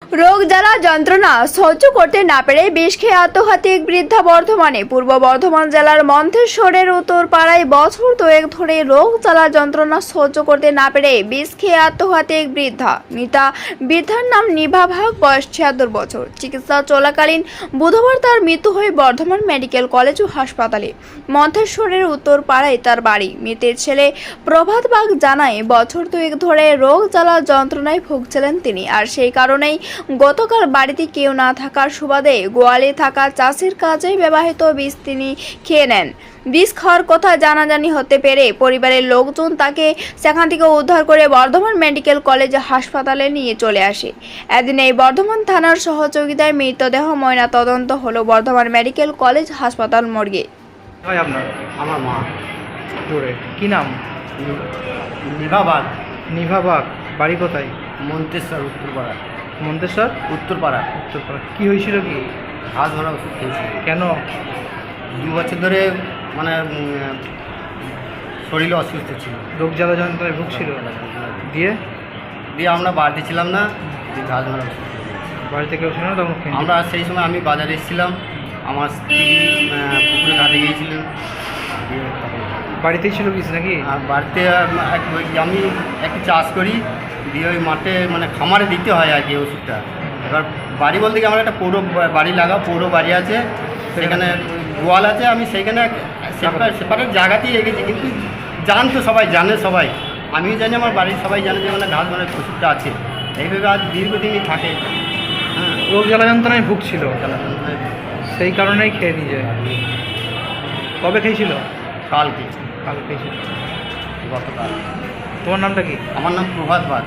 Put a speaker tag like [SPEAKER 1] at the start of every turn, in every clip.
[SPEAKER 1] রোগ জ্বালা যন্ত্রণা সহ্য করতে না পেরে বিষ খেয়ে আত্মঘাতী এক বৃদ্ধা বর্ধমানে। পূর্ব বর্ধমান জেলার মন্থেশ্বরের উত্তরপাড়ায় বছর দুয়েক ধরে রোগ জ্বালা যন্ত্রণা সহ্য করতে না পেরে বিষ খেয়ে আত্মঘাতী এক বৃদ্ধা। বৃদ্ধার নাম নিভা ভাগ, বয়স ৭৬ বছর। চিকিৎসা চলাকালীন বুধবার তার মৃত্যু হয় বর্ধমান মেডিকেল কলেজ ও হাসপাতালে। মন্থেশ্বরের উত্তরপাড়ায় তার বাড়ি। মৃতের ছেলে প্রভাত বাগ জানায়, বছর দুয়েক ধরে রোগ জ্বালা যন্ত্রণায় ভুগছিলেন তিনি, আর সেই কারণেই গতকাল বাড়িতে কেউ না থাকার সুবাদে গোয়ালে থাকা চাষের কাজে ব্যবহৃত বিষ তিনি খেয়ে নেন। বিষ খাওয়ার কথা জানাজানি হতে পেরে পরিবারের লোকজন তাকে সেখান থেকে উদ্ধার করে বর্ধমান মেডিকেল কলেজ হাসপাতালে নিয়ে চলে আসে। এদিন এই বর্ধমান থানার সহযোগিতায় মৃতদেহ ময়না তদন্ত হলো বর্ধমান মেডিকেল কলেজ হাসপাতাল মর্গে।
[SPEAKER 2] হয় আপনার?
[SPEAKER 3] আমার মা
[SPEAKER 2] জোরে কি নাম?
[SPEAKER 3] নিভাবাগ,
[SPEAKER 2] নিভা বাগ। বাড়ি কোথায়?
[SPEAKER 3] মন্তেশ্বর উত্তরপাড়া।
[SPEAKER 2] মন্তেশ্বর
[SPEAKER 3] উত্তরপাড়া
[SPEAKER 2] উত্তরপাড়া। কি হয়েছিল কি?
[SPEAKER 3] হাত ধরা ওষুধ খেয়েছি
[SPEAKER 2] কেন?
[SPEAKER 3] 2 বছর ধরে মানে শরীরে অসুস্থ ছিল।
[SPEAKER 2] রোগ জ্বালা যন্ত্রণায় ভুগছিল। দিয়ে
[SPEAKER 3] দিয়ে আমরা বাড়িতে ছিলাম না, দিয়ে ঘাস ধরা ওষুধ খেয়েছি।
[SPEAKER 2] বাড়িতে কেউ ছিল না তখন খেয়ে
[SPEAKER 3] আমরা সেই সময় আমি বাজারে এসেছিলাম, আমার স্ত্রী পুকুরে ঘাটে গিয়েছিলেন। দিয়ে তখন
[SPEAKER 2] বাড়িতেই ছিল কিছু নাকি?
[SPEAKER 3] আর বাড়িতে আমি একটু চাষ করি, দিয়ে ওই মাঠে মানে খামারে দিতে হয় আর কি ওষুধটা। এবার বাড়ি বলতে কি আমার একটা পৌর বাড়ি পৌর বাড়ি আছে, সেখানে গোয়াল আছে, আমি সেইখানে সেপারেট জায়গাতেই রেখেছি। কিন্তু জানতো সবাই, সবাই, আমিও জানি, আমার বাড়ির সবাই জানে যে মানে ঘাস মানে ওষুধটা আছে। এইভাবে আজ দীর্ঘদিনই থাকে। হ্যাঁ,
[SPEAKER 2] রোগ জ্বালা যন্ত্রণায় ভুগছিল,
[SPEAKER 3] মানে
[SPEAKER 2] সেই কারণেই খেয়ে নিয়ে যায়। কবে খেয়েছিল?
[SPEAKER 3] কালকে,
[SPEAKER 2] কাল খেয়েছিল।
[SPEAKER 3] গতকাল।
[SPEAKER 2] তোমার নামটা কি?
[SPEAKER 3] আমার নাম প্রভাত বাগ।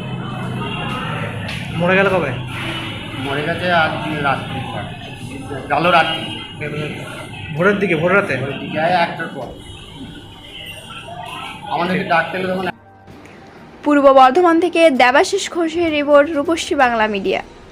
[SPEAKER 2] মরে গেল কবে?
[SPEAKER 3] মরে গেছে আজ রাত্রি, কালো রাত্রি,
[SPEAKER 2] ভোরের দিকে, ভোর রাতে।
[SPEAKER 3] ওই দিকে 1টার পর আমাদেরকে ডাকতে এলো তখন।
[SPEAKER 1] পূর্ব বর্ধমান থেকে দেবাশিস ঘোষের রিপোর্ট, রূপশ্রী বাংলা মিডিয়া।